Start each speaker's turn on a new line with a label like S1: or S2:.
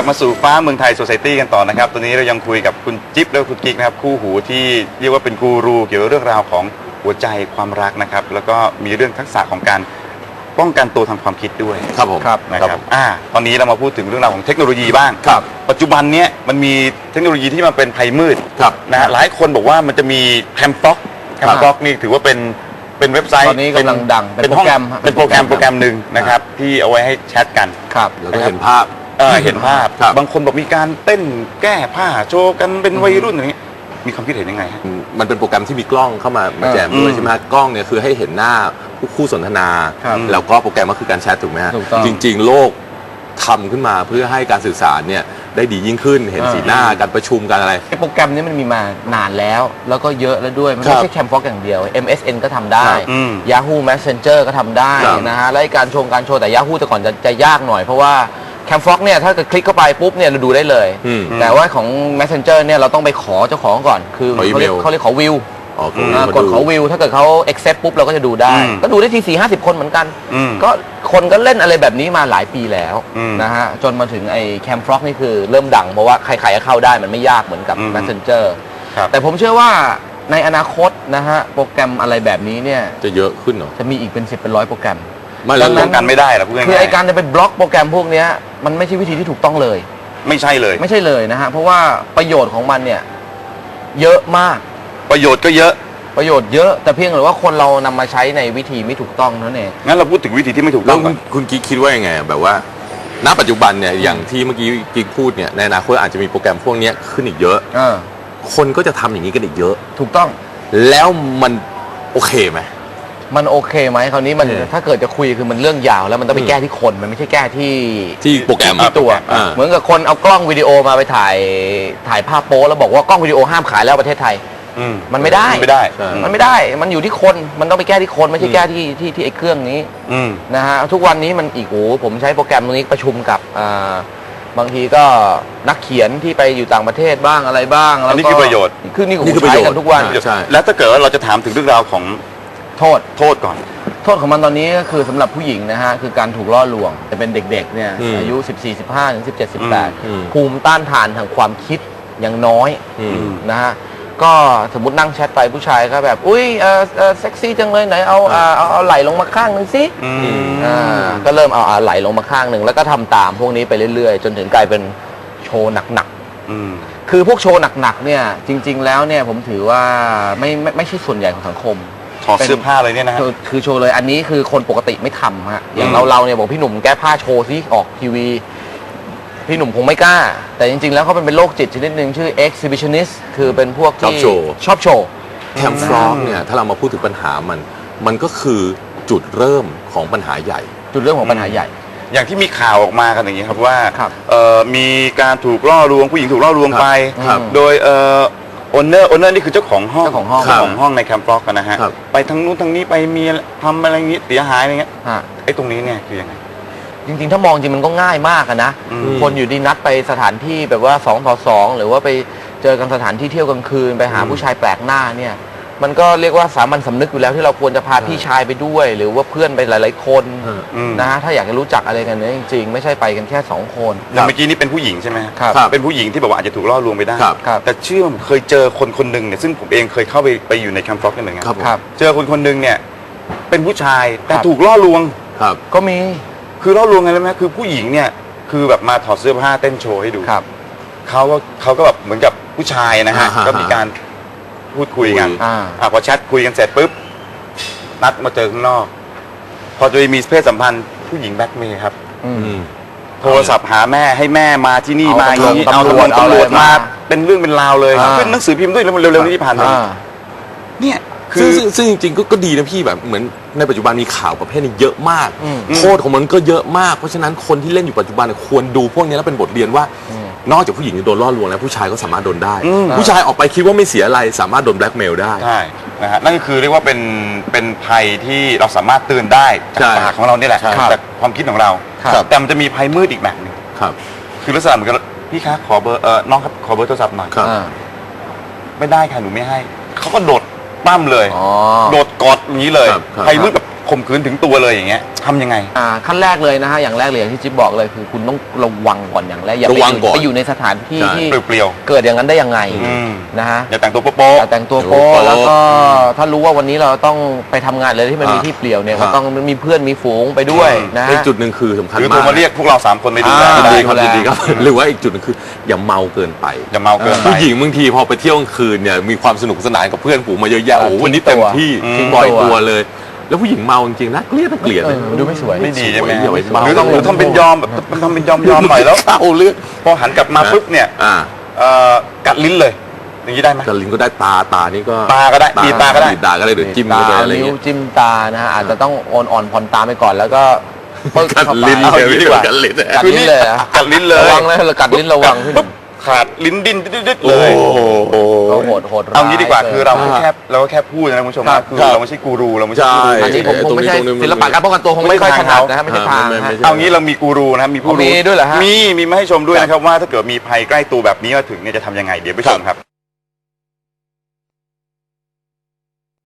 S1: มาสู่ฟ้าเมืองไทยโซไซตี้กันต่อนะครับตอนนี้เรายังคุยกับคุณจิ๊บและคุณกิ๊กนะครับคู่หูที่เรียกว่าเป็นกูรูเกี่ยวกับเรื่องราวของหัวใจความรักนะครับแล้วก็มีเรื่องทักษะของการป้องกันตัวทางความคิดด้วย
S2: ครับผม
S1: นะครับตอนนี้เรามาพูดถึงเรื่องราวของเทคโนโลยีบ้าง
S2: ครับ
S1: ปัจจุบันเนี้ยมันมีเทคโนโลยีที่มันเป็นภัยมืด
S2: ครับ
S1: นะฮะหลายคนบอกว่ามันจะมีแคมฟ็อกนี่ถือว่าเป็นเว็บไซต์
S3: ตอนนี้กำลังดัง
S1: เป็นโปรแกรม
S3: เป็น
S1: โปรแกรมหนึ่งนะครับที่เอาไว้ให้แชทกัน
S3: ครับ
S2: แล้วก็เห็นภาพ
S1: เห็นภาพ
S2: ครับ
S1: บางคนบอกมีการเต้นแก้ผ้าโชว์กันเป็นวัยรุ่นอย่างนี้มีความคิดเห็นยังไงฮะ
S2: มันเป็นโปรแกรมที่มีกล้องเข้ามาแจมด้วยใช่ไหมฮะกล้องเนี่ยคือให้เห็นหน้าคู่สนทนา
S3: ครับ
S2: แล้วก็โปรแกรมก็คือการแชทถูกไหมฮะ
S3: ถูกต้อง
S2: จริงๆ โลกทำขึ้นมาเพื่อให้การสื่อสารเนี่ยได้ดียิ่งขึ้นเห็นสีหน้าการประชุมการอะไร
S3: ไอ้โปรแกรมนี้มันมีมานานแล้วก็เยอะแล้วด้วยมัน
S2: ครั
S3: ไม่
S2: บ
S3: ใช่แคมฟ็อกอย่างเดียว MSN ก็ทำได้
S2: ครับ
S3: Yahoo Messenger ก็ทำได้
S2: ครับ
S3: นะฮะและไอ้การโชว์แต่ Yahoo แต่ก่อนจะยากหน่อยเพราะว่าแคมฟ็อกเนี่ยถ้าเกิดคลิกเข้าไปปุ๊บเนี่ยเราดูได้เลย แต่ว่าของ Messenger เนี่ยเราต้องไปขอเจ้าของก่อนคือ
S2: ขออี
S3: เขา
S2: เม
S3: เรียก
S2: ล
S3: เขาเรียกขอวิว
S2: อ๋อ
S3: กดขอวิวถ้าเกิดเขา accept ปุ๊บเราก็จะดูได้ ก็ดูได้ที40-50 คนเหมือนกัน ก็คนก็เล่นอะไรแบบนี้มาหลายปีแล้วนะฮะจนมาถึงไอ้แคมฟ็อกนี่คือเริ่มดังเพราะว่าใครๆก็เข้าได้มันไม่ยากเหมือนกับ Messenger
S1: ครับ
S3: แต่ผมเชื่อว่าในอนาคตนะฮะโปรแกรมอะไรแบบนี้เนี่ย
S2: จะเยอะขึ้นเหรอ
S3: จะมีอีกเป็น10เป็น100โปรแกรม
S2: ไม่
S1: ดั
S2: แล้ว
S1: งนั้นกันไม่ได้หรอพูดง่ายๆ
S3: คือไอการจะไปบล็อกโปรแกรมพวกเนี้ยมันไม่ใช่วิธีที่ถูกต้องเลย
S1: ไม่ใช่เลย
S3: ไม่ใช่เลยนะฮะเพราะว่าประโยชน์ของมันเนี่ยเยอะมาก
S1: ประโยชน์ก็เยอะ
S3: ประโยชน์เยอะแต่เพียงแต่ว่าคนเรานำมาใช้ในวิธีไม่ถูกต้องเท่านั้นเอง
S1: งั้นเราพูดถึงวิธีที่ไม่ถูก
S2: แล้
S1: ต้
S2: ว
S1: องก่อน
S2: คุณกิ๊กคิดว่ายังไงแบบว่าณปัจจุบันเนี่ยอย่างที่เมื่อกี้กิ๊กพูดเนี่ยในอนาคตอาจจะมีโปรแกรมพวกเนี้ยขึ้นอีกเยอะ คนก็จะทำอย่างนี้กันอีกเยอะ
S3: ถูกต้อง
S2: แล้วมันโอเคไหม
S3: มันโอเคไหมคราวนี้มัน
S2: โอเค
S3: ถ้าเกิดจะคุยคือมันเรื่องยาวแล้วมันต้องไปแก้ที่คนมันไม่ใช่แก้ที่
S2: โปรแกรม
S3: ที่ตัว เหมือนกับคนเอากล้องวิดีโอมาไปถ่ายภาพโป๊แล้วบอกว่ากล้องวิดีโอห้ามขายแล้วประเทศไทย มันไม่ได้
S1: ไม่ได้
S2: ใช่
S3: มันไม่ได้ มันอยู่ที่คน มันต้องไปแก้ที่คนไม่ใช่แก้ที่ไอ้เครื่องนี้นะฮะ ทุกวันนี้มันอีกผมใช้โปรแกรมตรงนี้ประชุมกับบางทีก็นักเขียนที่ไปอยู่ต่างประเทศบ้างอะไรบ้างแล้ว
S1: อันนี้คือประโยชน์
S3: คือนี่
S2: นี่คือ
S3: ใช้
S2: ประโยชน์
S3: กันทุกวัน
S2: ใช่
S1: แล้วถ้าเกิดว่าเราจะถามถึงเรื่องราวของ
S3: โทษ
S1: โทษก่อน
S3: โทษของมันตอนนี้ก็คือสำหรับผู้หญิงนะฮะ คือการถูกล่อลวงจะเป็นเด็กๆเนี่ย อายุ 14-15 ถึง 17-18 ภูมิต้านทานทางความคิดยังน้อยนะฮะ ก็สมมตินั่งแชทไปผู้ชายก็แบบ อุ้ยเซ็กซี่จังเลยไหนเอาไหลลงมาข้างหนึ่งสิก็เริ่มเอาไหลลงมาข้างหนึ่งแล้วก็ทำตามพวกนี้ไปเรื่อยๆ จนถึงกลายเป็นโชว์หนักๆคือพวกโชว์หนักๆเนี่ยจริงๆแล้วเนี่ยผมถือว่าไม่ใช่ส่วนใหญ่ของสังคม
S1: ถอดเสื้อผ้าเลยเนี่ยนะฮะ
S3: คือโชว์เลยอันนี้คือคนปกติไม่ทำฮะอย่างเราเนี่ยบอกพี่หนุ่มแก้ผ้าโชว์ซิออกทีวีพี่หนุ่มคงไม่กล้า แต่จริงๆแล้วเขาเป็นโรคจิตชนิดหนึ่งชื่อ exhibitionist คือเป็นพวกที่ชอบโชว์
S2: แคมฟรอกเนี่ยถ้าเรามาพูดถึงปัญหามันก็คือจุดเริ่มของปัญหาใหญ่
S3: จุดเรื่องของปัญหาใหญ่
S1: อย่างที่มีข่าวออกมากันอย่างนี้ครับว่า
S3: ครับ
S1: มีการถูกล่อลวงผู้หญิงถูกล่อลวงไป
S2: ครับ
S1: โดยโอนเนอร์นี่คือเจ้าของห้อง
S3: เจ้าของห้อง
S1: เจ้าของห้องในแคมป์ฟล็อกกันนะฮะ
S2: ครับ
S1: ไปทางนู้นทางนี้ไปมีทำอะไรอย่างนี้เสียหายอะไรเงี้ย
S3: ฮะ
S1: ไอ้ตรงนี้เนี่ยคือยังไง
S3: จริงๆ ถ้ามองจริงมันก็ง่ายมากอะนะ คนอยู่ดีนัดไปสถานที่แบบว่า2 ต่อ 2หรือว่าไปเจอกันสถานที่เที่ยวกลางคืนไปหาผู้ชายแปลกหน้าเนี่ยมันก็เรียกว่าสามัญสำนึกอยู่แล้วที่เราควรจะพาพี่ชายไปด้วย หรือว่าเพื่อนไปหลายๆคนนะฮะถ้าอยากจะรู้จักอะไรกันเนี่ยจริงๆ ไม่ใช่ไปกันแค่2 คน
S1: แต่เมื่อกี้นี่เป็นผู้หญิงใช่ไหมฮะ
S3: ครับ
S1: เป็นผู้หญิงที่แบบว่าอาจจะถูกล่อลวงไปได้
S2: ครับ
S3: ครับ
S1: แต่เชื่อผมเคยเจอคนหนึ่งเนี่ยซึ่งผมเองเคยเข้าไปอยู่ในแคมป์ฟล็อกนี่เหมือนกัน
S2: ครับผม
S3: ครับ
S1: เจอคนหนึ่งเนี่ยเป็นผู้ชายแต่
S3: ครับ
S1: ถูกล่อลวง
S2: ครับ
S3: ก็มี
S1: คือล่อลวงไงรู้ไหมคือผู้หญิงเนี่ยคือแบบมาถอดเสื้อผ้าเต้นโชว์ให้ดู
S3: ครับ
S1: เขาก็แบบเหมือนกับผู้ชายนะฮะ
S2: อ่าฮะ
S1: ก็มีการพูดคุยกัน
S3: อ่า
S1: พอแชทคุยกันเสร็จปุ๊บนัดมาเจอข้างนอก พอจะมีเพศสัมพันธ์ผู้หญิงแบล็กเมย์ครับ โทรศัพท์หาแม่ให้แม่มาที่นี่
S3: เอา
S1: มาอย่างนี้
S3: ตำรวจ
S1: เอาตำรวจ
S3: เอาอะไร
S1: มา
S3: มา
S1: เป็นเรื่องเป็นราวเลย
S3: อ่า
S1: ขึ้นหนังสือพิมพ์ด้วยเร็วๆนี้ที่ผ่านมา
S3: อ่า
S1: เนี่ยคื
S2: ซึ่
S1: อง
S2: จริงๆก็ดีนะพี่แบบเหมือนในปัจจุบันมีข่าวประเภทนี้เยอะมาก
S3: อืม
S2: โทษของมันก็เยอะมากเพราะฉะนั้นคนที่เล่นอยู่ปัจจุบันเนี่ยควรดูพวกนี้แล้วเป็นบทเรียนว่า นอกจากผู้หญิงจะโดนล่อลวงแล้วผู้ชายก็สามารถโดนได้ ผู้ชายออกไปคิดว่าไม่เสียอะไรสามารถโดนแบล็กเมลได้
S1: ใช่นะฮะนั่นก็คือเรียกว่าเป็นภัยที่เราสามารถเตือนได้จาก
S2: ใช่
S1: ปากของเรานี่แหละ
S2: ใช่
S1: จากความคิดของเรา
S3: ครับ
S1: แต่มันจะมีภัยมืดอีกแบบหนึง
S2: ครับ
S1: คือลักษณะเหมือนกับพี่คะขอเบอร์น้องครับขอเบอร์โทรศัพท์หน่อย
S2: ครับ
S3: อ่า
S1: ไม่ได้ค่ะหนูไม่ให้เขาก็โดดปั้มเลย
S3: อ๋อ
S1: โดดกอดอย่างนี้เลย
S2: ครับครับ
S1: ภัยมืดแบบข่มขืนถึงตัวเลยอย่างเงี้ยทำยังไง
S3: ขั้นแรกเลยนะฮะอย่างแรกเลยอย่างที่จิ๊บบอกเลยคือคุณต้องระวังก่อนอย่างแรกอย่า
S2: ระวังก่อน
S3: ไปอยู่ในสถานที่
S2: ใช่
S3: ที่
S1: เปรี้ยว
S3: เกิดอย่างนั้นได้ยังไง
S1: อืม
S3: นะฮะ
S1: อย่าแต่งตัวโป๊ะ
S3: อย่าแต่งตัวโป๊แล้วก็ถ้ารู้ว่าวันนี้เราต้องไปทำงานเลยที่มันมีที่เปลี่ยวเนี่ยก็ต้องมีเพื่อนมีฝูงไปด้วยนะฮะ
S2: อีกจุดหนึ่งคือสำคัญ
S1: หรือ
S2: มา
S1: โทร
S2: ก
S1: มาเรียกพวกเรา3คนไปดูแล
S2: ยิน
S1: ได้
S2: ดีครับ
S3: ดูแล
S2: ยินดีครับ หรือว่าอีกจุดหนึงคืออย่าเมาเกินไป
S1: อย่าเมาเกินไป
S2: ผู้หญิงบางทีพอไปเที่ยวกลางคืนเนี่ยมีความสนุกสนานกับเพื่อนฝูงมาเยอะแยะโอ้โหวันนี้เต็มที่
S3: ทิ้ง
S2: ปล่อย
S3: ตัว
S2: ตัวเลย แล้วผู้หญิงเมาจริงๆนะเกลียดเกลียดเลย
S3: ดูไม่สวย
S1: ไม่ดีใช่ไหม
S2: อย่าไปเมา
S1: หรือต้องทำเป็นยอมแบบทำเป็นยอมหน่อยแล้ว
S2: เอาเรื่อง
S1: พอหันกลับมาปุ๊บเนี่ย กัดลิ้นเลย อย่างนี้ได้ไหม
S2: กระลินก็ได้ตานี่ก็
S1: ตาก็ได้บีบตาก็ได้
S2: บีบตาก็ได้หรือจิ้มก็ได้อะไร
S3: นิ้ว
S2: เงี้ย
S3: จิ้มตานะฮะอาจจะต้องอ่อนผ่อนตาไปก่อนแล้วก็ปึ๊ก
S2: กัด
S3: เข้าไป
S2: ลิ้น
S3: เอา
S2: เลย
S3: อย่างนี้
S2: ไม่
S3: ดี
S2: ได้
S3: กว่า
S2: กัดลิ้น
S3: กัดลิ้นเลยอะ
S1: กัดลิ้นเลย
S3: ระวังนะกัดลิ้นระวังพี่หนุ่
S1: ปุ๊บ
S3: ม
S1: ขาดลิ้นดิ้นดึดๆ
S2: โอ้
S1: เลย
S2: โห
S3: ก็โหดร้าย
S1: เอางี้ดีกว่าคือเรา
S2: อ่า
S1: ก็แค่พูดนะคุณผู้ชม
S3: ครั
S1: นะ
S3: บ
S1: คือเราไม่ใช่กูรูเราไม่ใช่
S2: ใช่
S1: กูรู
S3: อันนี้ผมคงไม่ใช่
S2: ตรงนี้
S3: ศิลปะการป้องกันตัวคงไม่ค่อยถนัดนะฮะไม่ใช่ทาง
S2: ไม่
S3: ฮะ
S2: ใช่
S1: เอางี้เรามีกูรูนะครับมีผู้รู้
S3: มีด้วยเหรอฮะ
S1: มีมาให้ชมด้วยนะครับว่าถ้าเกิดมีภัยใกล้ตัวแบบนี้มาถึงเนี่ยจะทำยังไงเดี๋ยวไปชมครับ